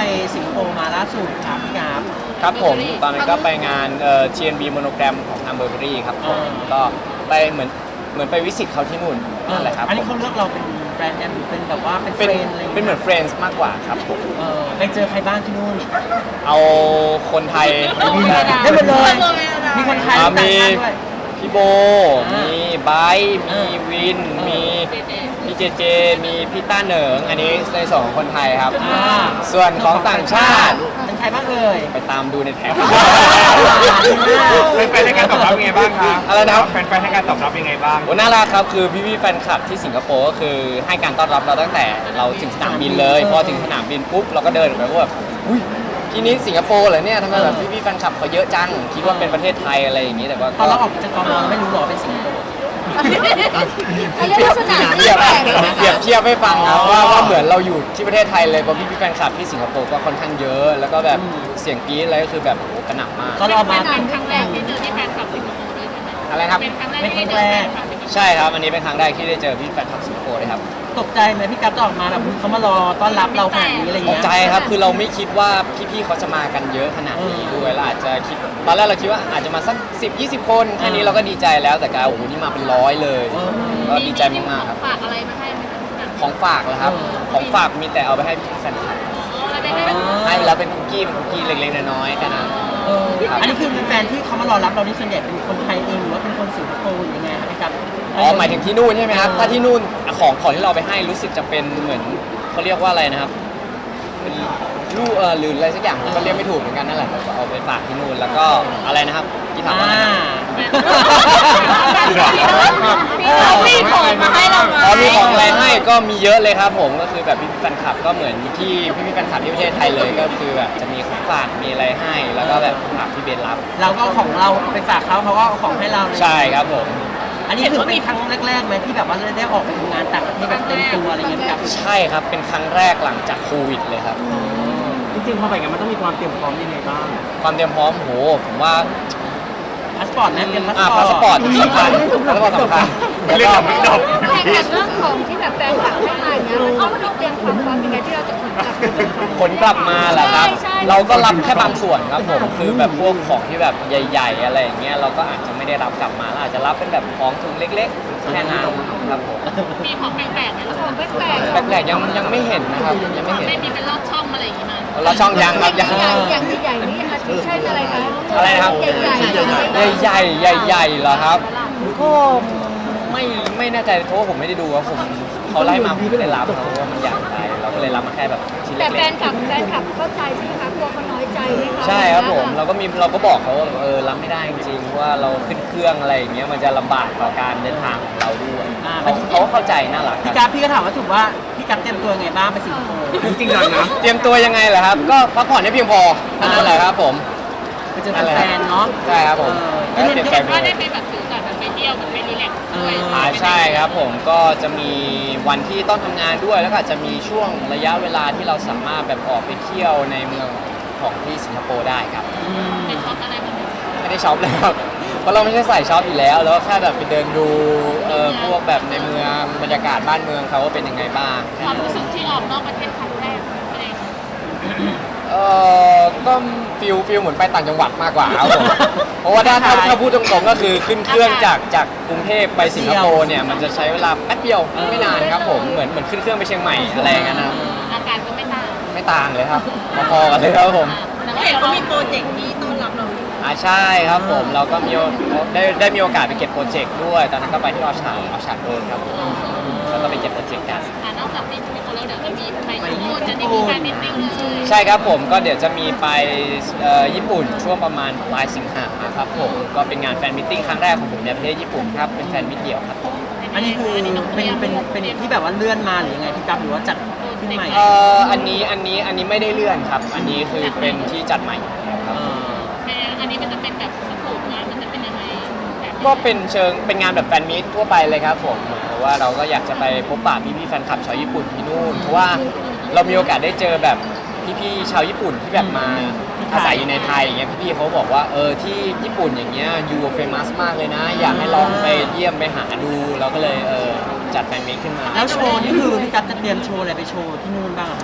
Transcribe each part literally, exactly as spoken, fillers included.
สิงคโปร์มาล่าสุดครับพี่กราฟครับผมตอนนั้นก็ไปงานเอ่อ ที เอ็น บี Monogram ของทางเบอร์เบอรี่ครับผมก็ไปเหมือนเหมือนไปวิสิตเขาที่นู่นนั่นแหละครับอันนี้เขาเลือกเราเป็นแบรนด์แอมหรือเป็นแบบว่าเป็นเฟเป็นรนด์อะไรอย่างเป็นเหมืเงี้อย นเฟรนด์มากกว่าครับผมเออไปเจอใครบ้างที่นู่นเอาคนไทยได้หมดเลยมีคนไทยอ่าต่างมีชาติด้วยพี่โบอ่ามีมีไบร์ทอ่ามีวินอ่ามีมีพี่เจเจ มีพี่ต้าเหนิง อันนี้ในส่วนของคนไทยครับอ่าส่วนของต่างชาติเป็นใครบ้างเอ่ยไปตามดูในแท็บแฟนๆให้การตอบรับยังไงบ้างคะอะไรนะครับแฟนๆให้การตอบรับยังไงบ้างโอ้น่ารักครับคือพี่ๆแฟนคลับที่สิงคโปร์ก็คือให้การต้อนรับเราตั้งแต่เราถึงสนามบินเลยพอถึงสนามบินปุ๊บเราก็เดินไปก็แบบอุ้ยที่นี้สิงคโปร์เหรอเนี่ยทำไมแบบพี่ๆแฟนคลับเขาเยอะจังคิดว่าเป็นประเทศไทยอะไรอย่างนี้แต่ว่าตอนเราออกจากกองเราไม่รู้หรอเป็นสิงคโปร์เขาเรียกลักษณะเทีที่ยบแปลกเปรียบเทียบให้ฟังนะว่าว่าเหมือนเราอยู่ที่ประเทศไทยเลยเพราะพี่ๆแฟนคลับที่สิงคโปร์ก็ค่อนข้างเยอะ แล้วก็แบบเสียงกรี๊ดอะไรก็คือแบบโอ้กระหน่ำมากตอนเรามาเป็นครั้งแรกที่เจอที่แฟนคลับสิงคโปร์ด้วยใช่ไหมอะไรครับเป็นครั้งแรกเป็นครั้ที่งเจแรอแฟกนคลับสิงคโปร์ใช่ครับอันนี้เป็นครั้งแรกที่ได้เจอพี่แฟนคลับสิงคโปร์เลยครับตกใจไหมพี่กัฟจะออกมาแบบเขามารอต้อนรับเราขนาดนี้อะไรตกเงี้ยใจครับคือเราไม่คิดว่าพี่ๆเขาจะมากันเยอะขนาดนี้ด้วยเราอาจจะคิดตอนแรกเราคิดว่าอาจจะมาสักสิบ ยี่สิบคนแค่นี้เราก็ดีใจแล้วแต่กลายโอ้โหนี่มาเป็นร้อยเลยก็ดีใจมากๆครับฝากอะไรมาให้ไหมคะแบบของฝากเหรอครับของฝากมีแต่เอาไปให้พี่แฟนคลับอะไรไปให้ไหมให้ไปแล้วเป็นคุกกี้เป็นคุกกี้เล็กๆน้อยๆแค่นั้นเอออันนี้คือแฟนที่เขามารอรับเรานี่ส่วนใหญ่เป็นคนไทยเองหรือว่าเป็นคนสิงคโปร์หรือยังไงครับพี่กัฟอ๋อหมายถึงที่นู่นใช่ไหมครับถ้าที่นู่นของของที่เราไปให้รู้สึกจะเป็นเหมือนเขาเรียกว่าอะไรนะครับเป็นลูกเออหรืออะไรสักอย่างผมก็เรียกไม่ถูกเหมือนกันนั่นแหละแต่ก็เอาไปฝากที่นู่นแล้วก็อะไรนะครับที่ถามว่าอะไรอ่านะครับมีของมาให้เราไหมอ๋อมีของอะไรให้ก็มีเยอะเลยครับผมก็คือแบบพี่ๆแฟนคลับก็เหมือนที่พี่ๆแฟนคลับที่ประเทศไทยเลยก็คือแบบจะมีของฝากมีอะไรให้ แล้วก็แบบฝากพี่เบนรับเราก็เอาของเราไปฝากเขาเขาก็เอาของให้เราเลยใช่ครับผมอันนี้คือเป็นครั้งแรกๆไหมที่แบบว่าได้ออกไปทำงานต่างประเทศแบบเต็มตัวอะไรเงี้ยพี่กัฟใช่ครับเป็นครั้งแรกหลังจากโควิดเลยครับจริงๆพอไปกันมันต้องมีความเตรียมพร้อมยังไงบ้างความเตรียมพร้อมโหผมว่าพาสปอร์ตนะเตรียมพาสอ่าปอร์ตพาสปอร์ตสำคัญพาสปอร์ตสำคัญเรื่องของไม่ดอกแข่งกันเรื่องของที่แบบแฟนคลับให้มาอย่างเงี้ยมันต้องเตรียมความพร้อมยังไงที่เราจะขนกลับผลกลับมาแหละครับใช่ใช่เราก็รับแค่บางส่วนครับผมคือแบบพวกของที่แบบใหญ่ ๆ อะไรอย่างเงี้ยเราก็อาจจะไม่ได้รับกลับมาเราอาจจะรับเป็นแบบของถุงเล็กๆแค่นั้นครับผมมีของแปลกๆไหมของแปลกแปลกๆยังยังไม่เห็นนะครับยังไม่เห็นไม่มีเป็นลอดช่องอะไรอย่างงี้มาเราช่องยังครับยังใหญ่อย่างใหญ่ๆนี่อาทิเช่นอะไรคะอะไรนะครับใหญ่ๆใหญ่ๆใหญ่ๆเหรอครับก็ไม่ไม่แน่ใจเพราะว่าผมไม่ได้ดูว่าผมเขาไล่มาผมก็เลยรับเขาว่ามันใหญ่ไปเราก็เลยรับมาแค่แบบชิ้นแต่แฟเล็กนคลับแฟนคลับเข้าใจใช่ไหมคะกลัวเขาน้อยใจไหมคะๆใช่ครับผมเราก็มีเราก็บอกเขาว่าเออรับไม่ได้จริงๆว่าเราขึ้นเครื่องอะไรอย่างเงี้ยมันจะลำบากต่อการเดินทางของเราด้วยเขาเขาเข้าใจน่ารักคพี่รับกัฟพี่ก็ถามว่าถูกว่าพี่กัฟเตรียมตัวยังไงบ้างไปสิงคโปร์จริงๆจังนะเตรียมตัวยังไงเหรอครับก็พักผ่อนให้เพียงพอเท่านั้นแหละครับผมไปเจอแฟนๆเนาะใช่ครับผมเออแล้วเตรียมใจไปก็เลได้ยไปแบบถือก่อนแบบไปเที่ยวแบบไปรีแลกซ์ด้วยอ่าใช่ครับผมก็จะมีวันที่ต้องทำงานด้วยแล้วก็อาจจะมีช่วงระยะเวลาที่เราสามารถแบบออกไปเที่ยวในเมืองของที่สิงคโปร์ได้ครับไปช็อปอะไรแบบนี้ไม่ได้ช็อปเลยครับเพราะเราไม่ใช่ใส่ช็อปอยู่แล้ว แล้วแค่แบบไปเดินดูเอ่อพวกแบบในเมืองบรรยากาศบ้านเมืองเขาว่าเป็นยังไงบ้างความรู้สึกที่ออกนอกประเทศครั้งแรกเป็นไงคะเออก็ฟิลฟิลเหมือนไปต่างจังหวัดมากกว่าครับผมเพราะว่าถ้าถ้าถ้าพูดตรงๆก็คือขึ้นเครื่องจากจากกรุงเทพไปสิงคโปร์เนี่ยมันจะใช้เวลาแป๊บเดียวไม่นานครับผมเหมือนเหมือนขึ้นเครื่องไปเชียงใหม่อะไรอย่างเงี้ยนะครับอาการก็ไม่ต่างไม่ต่างเลยครับพอๆกันเลยครับผมแต่ว่าเห็นเขามีโปรเจกต์นี้ต้อนรับเราอยู่อ่าใช่ครับผมเราก็มีโอได้ได้มีโอกาสไปเก็บโปรเจกต์ด้วย ตอนนั้นก็ไปที่ออชาร์ดออชาร์ดเวิร์ครับผมแล้วก็ไปเก็บโปรเจกต์กันอ่านอกจากที่มีคนแล้วเดี๋ยวจะมีไปญี่ปุ่นจะมีแฟนมิตติ้งเลยใช่ครับผมก็เดี๋ยวจะมีไปเอ่อญี่ปุ่นช่วงประมาณปลายสิงหาครับผมก็เป็นงานแฟนมิทติ้งครั้งแรกของผมในประเทศญี่ปุ่นครับเป็นแฟนมิตเดี่ยวครับอันนี้คือเป็นเป็นเป็นที่แบบว่าเลื่อนมาหรือยังไงพี่กัฟหรือว่าจัดขึ้นใหม่เอ่ออันนี้อันนี้อันนี้ไม่ได้เลื่อนครับ อันนี้คือเป็นที่จัดใหม่คเอรับออันนี้มันจะเป็นแบบสกูปงานมันจะเป็นยังไงแบบก็เป็นเชิงเป็นงานแบบแฟนมิตทั่วไปเลยครับผมเพราะว่าเราก็อยากจะไปพบปะพี่ๆแฟนคลับชาวญี่ปุ่นที่นู่นเพราะว่าเรามีโอกาสได้เจอแบบพี่ๆชาวญี่ปุ่นที่แบบมาอาศัยอยู่ในไทยอย่างเงี้ยพี่ๆเขาบอกว่าเออที่ญี่ปุ่นอย่างเงี้ยยูเฟมัสมากเลยนะ อยากให้ลองไปเยี่ยมไปหาดูเราก็เลยเออจัดแฟนมิตขึ้นมาแล้วโชว์นี่คือพี่กัฟจะเตรียมโชว์อะไรไปโชว์ที่นู่นบ้างอะครับ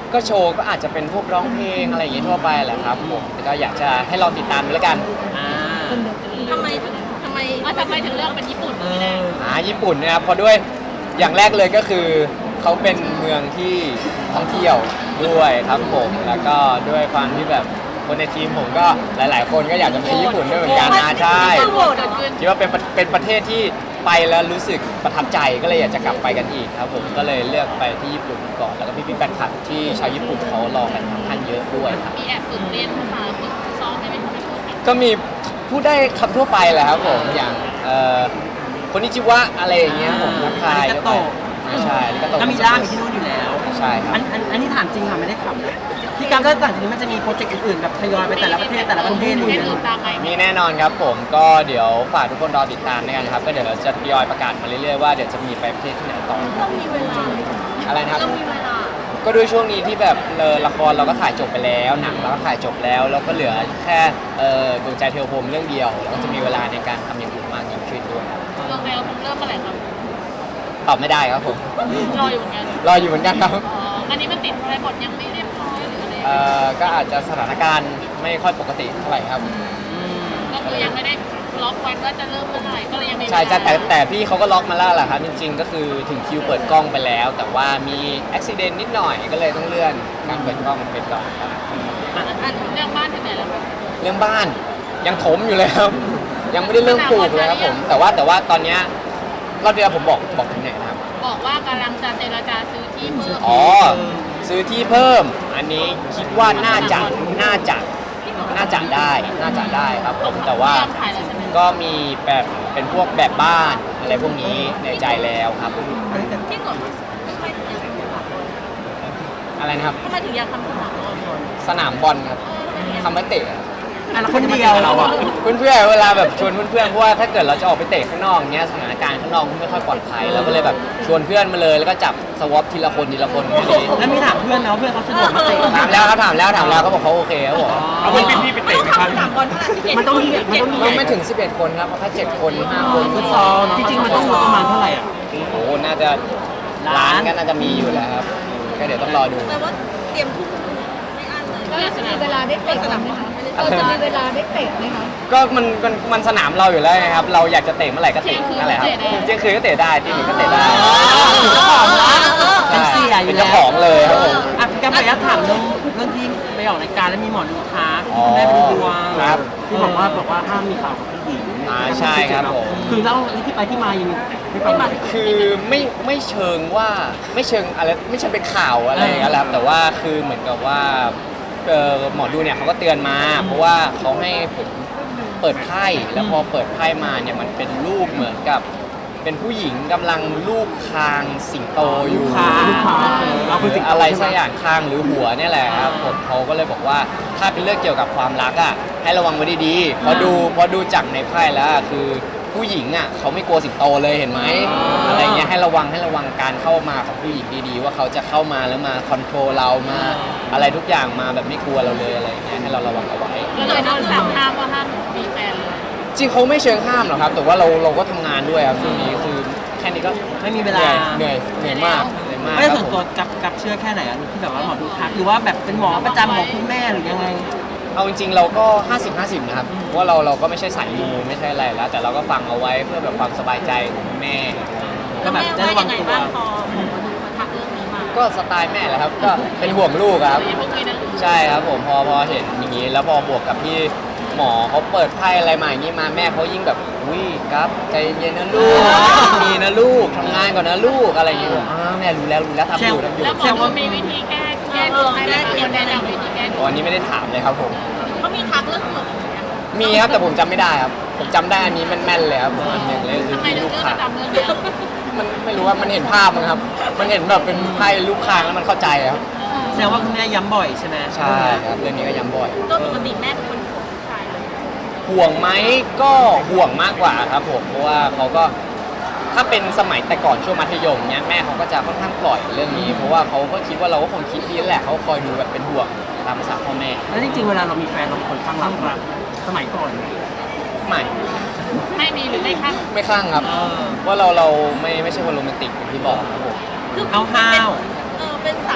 ก็โชว์ก็อาจจะเป็นพวกร้องเพลงอะไรอย่างเงี้ยทั่วไปแหละครับผมแต่ก็อยากจะให้ลองติดตามดูแล้วกันอ่าทำไมถึงทำไมทำไมถึงเลือกเป็นญี่ปุ่นเอไม่ได้ออ่าญี่ปุ่นเนะครับเพราะด้วยอย่างแรกเลยก็คือเขาเป็นเมืองที่ท่องเที่ยวด้วยครับผมแล้วก็ด้วยความที่แบบคนในทีมผมก็หลาย ๆ คนก็อยากจะไปญี่ปุ่นด้วยเหมือนกันนะใช่โหวตเกิดขึ้นคิดว่าเป็นประเป็นประเทศที่ไปแล้วรู้สึกประทับใจก็เลยอยากจะกลับไปกันอีกครับผมก็เลยเลือกไปที่ญี่ปุ่นก่อนแล้วก็พี่ๆแฟนคลับที่ชาวญี่ปุ่นเขารอกันค่อนข้างเยอะด้วยครับมีแอบฝึกเรียนภาษาฝึกซ้อมได้ไหมคะพูดกันก็มีพูดได้คำทั่วไปแหละครับผมอย่างเอ่อคนนิจิวะอะไรอย่างเงี้ยผมทักทายก็ไปใช่แล้วก็ก็มีล่ามอยู่ที่นู่นอยู่แล้วใช่ครับอันอันอันนี้ถามจริงค่ะไม่ได้ขำนะพี่กัมถ้าหลังจากนี้มันจะมีโปรเจกต์อื่นๆแบบทยอยไปแต่ละประเทศแต่ละประเทศอะไรอย่างอื่เงี้นยตามไหมมีแน่นอนครับผมก็เดี๋ยวฝากทุกคนรอติดตามด้วยกันนะครับก็เดี๋ยวเราจะทยอยประกาศมาเรื่อยๆว่าเดี๋ยวจะมีไปประเทศที่ไหนต่อต้องมีเวลาอะไรนะครับต้องมีเวลาก็ด้วยช่วงนี้ที่แบบเออละครเราก็ถ่ายจบไปแล้วหนังเราก็ถ่ายจบแล้วแล้วก็เหลือแค่เอ่อดวงใจเทวพรหมเรื่องเดียวแล้วก็จะมีเวลาในการทำอย่างอื่นมากยิ่งขึ้นด้วยครับเรื่องแล้วผมเริ่มเมื่อไหร่ครับตอบไม่ได้ครับผมรออยู่เหมือนกันรออยู่เหมือนกันครับอ๋ออันนี้มันติดอะไรบทยังไม่เรียบร้อยหรืออะไรเอ่อก็อาจจะสถานการณ์ไม่ค่อยปกติเท่าไหร่ครับก็คือยังไม่ได้ล็อกวันว่าจะเริ่มเมื่อไหร่ก็เลยยังไม่ใช่ใช่แต่แต่พี่เขาก็ล็อกมาแล้วแหละครับจริงๆ ก็คือถึงคิวเปิดกล้องไปแล้ว แต่ว่ามีอุบิเหตุนิดหน่อยก็เลยต้องเลื่อนการเปิดกล้องไปก่อนครับอันเรื่องบ้านถึงไหนแล้วครับเรื่องบ้านยังถมอยู่เลยครับ ยังไม่ได้เริ่มปลูกเลยครับผมแต่ว่าแต่ว่าตอนเนี้ยรอบที่แล้วผมบอกบอกถึงไหนนะครับบอกว่ากำลังจะเจรจาซื้อที่เพิ่มอ๋อซื้อที่เพิ่ม อันนี้คิดว่าน่าจะน่าจะน่าจะได้น่าจะได้ครับผมแต่ว่ายอมขายแล้วใช่ไหมก็มีแบบเป็นพวกแบบบ้านอะไรพวกนี้ในใจแล้วครับจริงเหรอทำไมถึงอยากทำสนามบอลอะไรนะครับทำไมถึงอยากทำสนามบอลสนามบอลครับเออทำไมถึงอยากทำไว้เตะอ่ะแล้วคนเดียวเราอ่ะเพื่อนๆเวลาแบบชวนเพื่อนๆเพราะว่าถ้าเกิดเราจะออกไปเตะข้างนอกเนี้ยสถานการณ์ข้างนอกมันไม่ค่อยปลอดภัยเราก็เลยแบบชวนเพื่อนมาเลยแล้วก็จับสวอปทีละคนทีละคนแค่นี้แล้วมีถามเพื่อนนะว่าเพื่อนเขาสะดวกมาเตะถามแล้วครับถามแล้วถามแล้วเขาบอกเขาโอเคเขาบอกเอาเพื่อนพี่ๆไปเตะไหมครับสนามบอลขนาดสิบเอ็ดมันต้องมีมันต้องมีก็ไม่ถึงสิบเอ็ดคนครับเพราะถ้าเจ็ดคนห้าคนฟุตซอลเนอะจริงๆมันต้องงบประมาณเท่าไหร่อ่ะโอ้โหน่าจะล้านก็น่าจะมีอยู่แล้วครับก็เดี๋ยวต้องรอดูแต่ว่าเตรียมทุกไม่อั้นเลยก็จะมีเวลาได้เตะไหมคะเราจะมีเวลาได้เตะไหมคะก็มันมันมันสนามเราอยู่แล้วไงครับ เราอยากจะเตะเมื่อไหร่ก็เตะนั่นแหละครับเที่ยงคืนก็เตะได้ตีหนึ่งก็เตะได้เจ้าของร้านเป็นเสียอยู่เป็นแล้เจ้าว ของเลยครับผมอ่ะพี่กัมขออนุญาตถามเรื่องเรื่องที่ไปออกรายการแล้วมีหมอดูทักอ๋อได้ไปดูดวงครับที่บอกว่าบอกว่าห้ามมีข่าวกับผู้หญิงอ่าใช่ครับผมคือเล่าที่ไปที่มายังไงไม่ฟังคือไม่ไม่เชิงว่าไม่เชิงอะไรไม่ใช่เป็นข่าวอะไรอย่างเงี้ยแหละครับแต่ว่าคือเหมือนกับว่าเอ่อหมอดูเนี่ยเขาก็เตือนมา เพราะว่าเขาให้ผมเปิดไพ่แล้วพอเปิดไพ่มาเนี่ยมันเป็นรูปเหมือนกับ เป็นผู้หญิงกำลังลูบคางสิงโตอยู่คางลูกค้าเราคือสิ่งอะไรสักอย่างคางหรือหัวเนี่ยแหละครับผมเขาก็เลยบอกว่าถ้าเป็นเรื่องเกี่ยวกับความรักอ่ะให้ระวังไว้ดีๆเพราะดูเพราะดูจากในไพ่แล้วอะคือผู้หญิงอ่ะเขาไม่กลัวสิงโตเลยเห็นไหมอะไรเงี้ยให้ระวังให้ระวังการเข้ามาของผู้หญิงดีๆ ว่าเขาจะเข้ามาแล้วมาคอนโทรลเรามาอะไรทุกอย่างมาแบบไม่กลัวเราเลยอะไรเงี้ยให้เราระวังเอาไว้ก็เลยโดนสั่งห้ามว่าห้ามมีแฟนเลยจริงเขาไม่เชิงห้ามหรอกครับ แต่ว่าเราเราก็ทำงานด้วยครับช่วงนี้คือแค่นี้ก็ไม่มีเวลาเหนื่อยเหนื่อยเหนื่อยมากเหนื่อยมากไม่ได้คส่รัวบนผตัวมกับกับเชื่อแค่ไหนอ่ะที่แบบว่าหมอดูทักหรือว่าแบบเป็นหมอประจำของคุณแม่หรือยังไงเอาจริงๆเราก็ ห้าสิบ ห้าสิบ นะครับเพราะว่าเราเราก็ไม่ใช่สายมูไม่ใช่อะไรแล้ว แต่เราก็ฟังเอาไว้เพื่อแบบความสบายใจของแม่ก็แบบได้ระวังตัวพอหมอดูมาทักเรื่องนี้มาก็สไตล์แม่แหละครับ ก็เป็นห่วงลูกครับไอ้พวกนี้นะลูกใช่ครับผมพอพอเห็นอย่างนี้ แล้วพอบวกกับที่หมอเขาเปิดไพ่อะไรมาอย่างนี้มาแม่เขายิ่งแบบอุ้ยครับใจเย็นๆนะลูกมีนะลูกทำงานก่อนนะลูกอะไรอย่างเงี้ยบอกอ้าวแม่รู้แล้วรู้แล้วทำอยู่ทำอยู่แล้วหมอดูมีวิธีแก้แก้ดวงให้ไหมคะคนแนะนำวิธีแก้ดวงวันนี้ไม่ได้ถามเลยครับผมเขามีทักเรื่องอื่นไหมคะมีครับแต่ผมจำไม่ได้ครับ ผมจำได้อันนี้แม่นๆเลยครับผมอันหนึ่งเลยคือทำไมที่เรื่ลูองกปค้าระจำเรื่องเนี้ยมันไม่รู้ว่ามันเห็นภาพมั้งครับ มันเห็นแบบเป็นไพ่ลูกคางแล้วมันเข้าใจครับแสดงว่าคุณแม่ย้ำบ่อยใช่ไหมใช่ครับเรื่องนี้ก็ย้ำบ่อยโดยปกติแม่เป็นคนห่วงผู้ชายเลยห่วงไหมก็ห่วงมากกว่าครับผมเพราะว่าเขาก็ถ้าเป็นสมัยแต่ก่อนช่วงมัธยมเนี้ยแม่เขาก็จะค่อนข้างปล่อยเรื่องนี้ เพราะว่าเขาก็คิดว่าเราก็คงคิดดีแหละเขาคอยดูแบบเป็นห่วงตามภาษาพ่อแม่แล้วจริงๆเวลาเรามีแฟนเราเป็นคนข้างรักมากสมัยก่อนไม่ไม่มีหรือไม่ข้างไม่คลั่งครับเออว่าเราเราไม่ไม่ใช่คนโรแมนติกอย่างที่บอกครับผมคือห้าวเออเป็นสายแบบ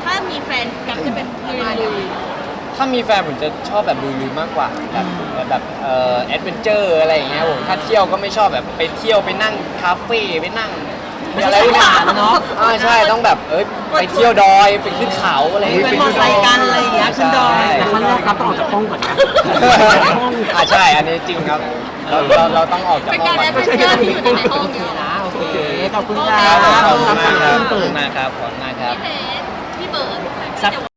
ถ้ามีแฟนกับจะเป็นประมาณไหนถ้ามีแฟนผมจะชอบแบบลุยๆมากกว่าแบบแบบเอ่อแอดเวนเจอร์อะไรอย่างเงี้ยผมถ้าเที่ยวก็ไม่ชอบแบบไปเที่ยวไปนั่งคาเฟ่ไปนั่งไม่ใช่สายหวานเนาะอ่าใช่ต้องแบบเอ้ยไปเที่ยวดอยไปขึ้นเขาอะไรอย่างไปเงี้ยมอไซค์กันอะไรอย่างเงี้ยขึ้นดอยแต่ขั้นแรกครับต้องออกจากห้องก่อนนะอ่าใช่อันนี้จริงครับเราเราเราต้องออกจากเป็นห้องการก่อนแอดเวนเจอร์ที่อยู่ในห้องโอเคเดียวนะโอเคขอบคุณคครัรับบขอบคุณมากครับขอบคุณมากครับขอบคุณมากครับพี่เพชรพี่เบิร์ดสัก